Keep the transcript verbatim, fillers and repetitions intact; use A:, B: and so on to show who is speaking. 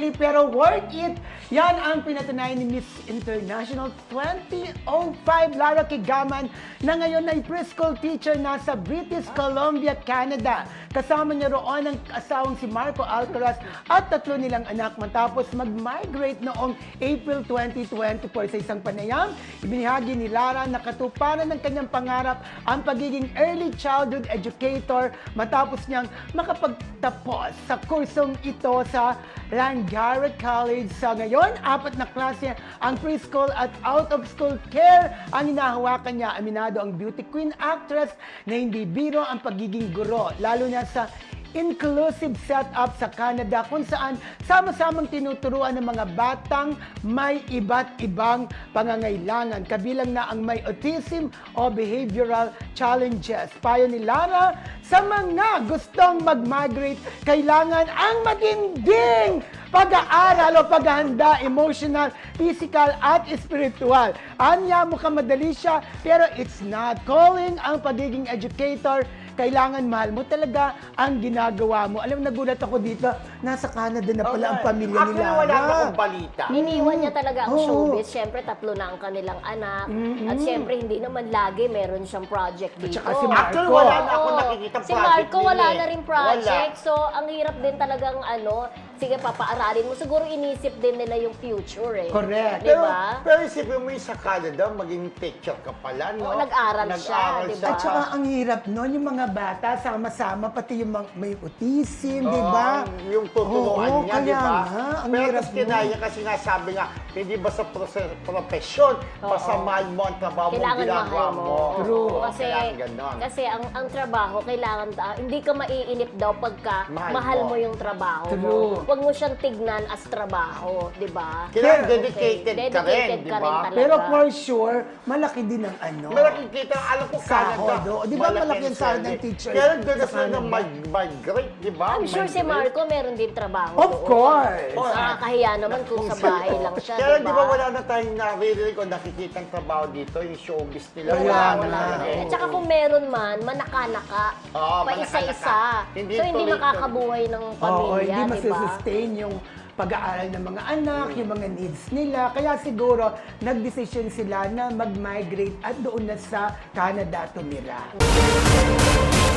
A: Italy pero worth it. Yan ang pinatunayan ni Miss International twenty oh five Lara Kigaman na ngayon ay preschool teacher na sa British Columbia, Canada. Kasama niya roon ang asawang si Marco Alcaraz at tatlo nilang anak matapos mag-migrate noong April twenty twenty-four. Sa isang panayam, ibinahagi ni Lara na katuparan ng kanyang pangarap ang pagiging early childhood educator matapos niyang makapagtapos sa kursong ito sa Langara College. Sa ngayon, apat na klase ang preschool at out-of-school care ang hinahawakan niya. Aminado ang beauty queen actress na hindi biro ang pagiging guro, lalo na sa inclusive setup sa Canada kung saan sama-samang tinuturuan ng mga batang may iba't ibang pangangailangan, kabilang na ang may autism o behavioral challenges. Payo ni Lara, sa mga gustong mag-migrate, kailangan ang matinding pag-aaral o paghahanda, emotional, physical, at spiritual. Anya, mukhang madali siya, pero it's not. Calling ang pagiging educator, kailangan mahal mo talaga ang ginagawa mo. Alam, nagulat ako dito, nasa Canada na pala ang pamilya
B: Actually,
A: nila.
B: wala na akong balita.
C: Iniwan niya talaga ang
A: Oo.
C: showbiz. Siyempre, tatlo na ang kanilang anak. At siyempre, hindi naman lagi meron siyang project dito.
A: saka si Marco.
B: Actually, wala na ako
C: Oo.
B: nakikita
C: Si
B: project
C: Marco, wala
B: nila eh.
C: na rin project.
B: Wala.
C: So, ang hirap din talagang ano, sige, papaaralin mo. Siguro inisip din nila yung future eh.
A: Correct.
C: Di
B: Pero,
C: ba?
B: pero isipin mo yung sa Canada, maging teacher ka pala, no?
C: Oo, nag-aral siya, di ba?
A: At saka ang hirap nun, yung mga bata, sama-sama, pati yung mga- may autism,
B: Oo,
A: di ba?
B: Yung tuturuan
A: Oo,
B: niya, di
A: kaya
B: ba?
A: nga, ang
B: Pero
A: hirap
B: tapos kinaya
A: nun.
B: kasi nga sabi nga, hindi ba sa prose- profesyon, basta mahal mo ang trabaho mo,
C: Kailangan
B: ginagawa
C: mahal mo.
A: True.
B: Oo,
C: Kasi,
B: kailangan ganon.
C: kasi ang ang trabaho, kailangan, ah, hindi ka maiinip daw pagka
B: Mahal
C: mahal,
B: mo.
C: mo. yung trabaho
A: True.
C: mo. Huwag mo siyang tignan as trabaho, di ba?
B: Kailangan
A: Pero-
B: dedicated
C: Okay,
B: ka rin,
C: dedicated
B: di
C: ka rin
B: ba?
C: talaga.
A: Pero for sure, malaki din ang ano.
B: Malaking kita, alam ko Canada.
A: Sahod, oh. Di ba malaki ang sahod ng teacher
B: Kaya doon na
A: sa
B: sila
A: Canada?
B: mag- migrate, di ba?
C: I'm sure si
B: Migrate.
C: Marco meron din trabaho.
A: Of
C: doon.
A: course.
B: Oh,
C: Nakakahiya naman kung sa bahay lang siya,
B: Kaya
C: di
B: di
C: ba?
B: ba wala na tayong naririnig o nakikita ang trabaho dito, yung showbiz nila.
A: Kaya
C: Wala,
A: nga.
C: wala.
B: eh.
C: At saka kung meron man, manaka-naka.
B: Oo,
C: pa isa-isa.
B: manaka-naka. Hindi
C: So, hindi
B: tuloy-tuloy.
C: makakabuhay ng
A: Oo,
C: pamilya,
A: hindi
C: di ba?
A: masusustain yung pag-aaral ng mga anak, yung mga needs nila. Kaya siguro, nag-decision sila na mag-migrate at doon na sa Canada tumira.